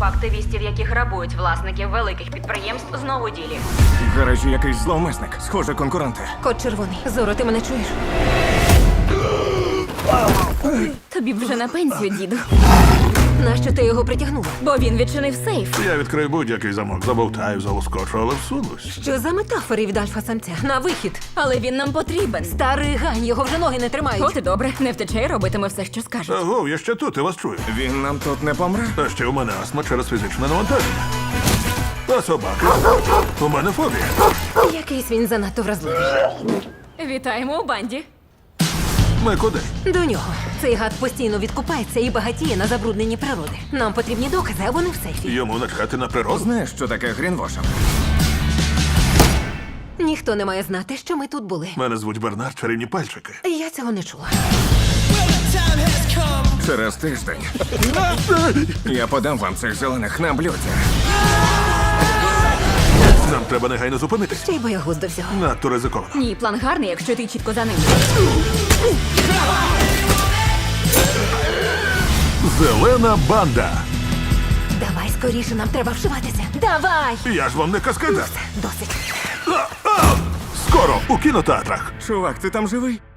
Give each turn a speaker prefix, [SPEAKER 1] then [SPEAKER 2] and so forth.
[SPEAKER 1] активістів, які грабують власників великих підприємств, знову у ділі.
[SPEAKER 2] В гаражі якийсь зловмисник. Схоже, конкуренти.
[SPEAKER 3] Кот червоний. Зоро, ти мене чуєш?
[SPEAKER 4] Тобі б вже на пенсію, діду.
[SPEAKER 3] Нащо ти його притягнула?
[SPEAKER 4] Бо він відчинив сейф.
[SPEAKER 5] Я відкрию будь-який замок, забовтаю, залоскочу, але всунусь.
[SPEAKER 3] Що за метафори від альфа-самця? На вихід.
[SPEAKER 4] Але він нам потрібен.
[SPEAKER 3] Старий гань, його вже ноги не тримають.
[SPEAKER 4] От і добре, не втече і робитиме все, що скажуть.
[SPEAKER 5] Агов, я ще тут, я вас чую.
[SPEAKER 2] Він нам тут не помре?
[SPEAKER 5] А ще у мене астма через фізичне навантаження. А собаки? У мене фобія.
[SPEAKER 3] Якийсь він занадто вразливий.
[SPEAKER 4] Вітаємо у банді.
[SPEAKER 5] Ми куди?
[SPEAKER 3] До нього. Цей гад постійно відкупається і багатіє на забрудненні природи. Нам потрібні докази, а вони в сейфі.
[SPEAKER 5] Йому начхати на природу?
[SPEAKER 2] Знаєш, що таке грінвошинг?
[SPEAKER 3] Ніхто не має знати, що ми тут були.
[SPEAKER 5] Мене звуть Бернард, чарівні пальчики.
[SPEAKER 3] Я цього не чула.
[SPEAKER 2] Через тиждень. Я подам вам цих зелених на блюді.
[SPEAKER 5] Нам треба негайно зупинитись.
[SPEAKER 3] Ще й боягуз до всього.
[SPEAKER 5] Надто ризиковано.
[SPEAKER 4] Ні, план гарний, якщо ти чітко за ним.
[SPEAKER 5] Зелена банда.
[SPEAKER 3] Давай скоріше, нам треба вшиватися. Давай!
[SPEAKER 5] Я ж вам не каскадер.
[SPEAKER 3] Досить.
[SPEAKER 5] Скоро у кінотеатрах.
[SPEAKER 2] Чувак, ти там живий?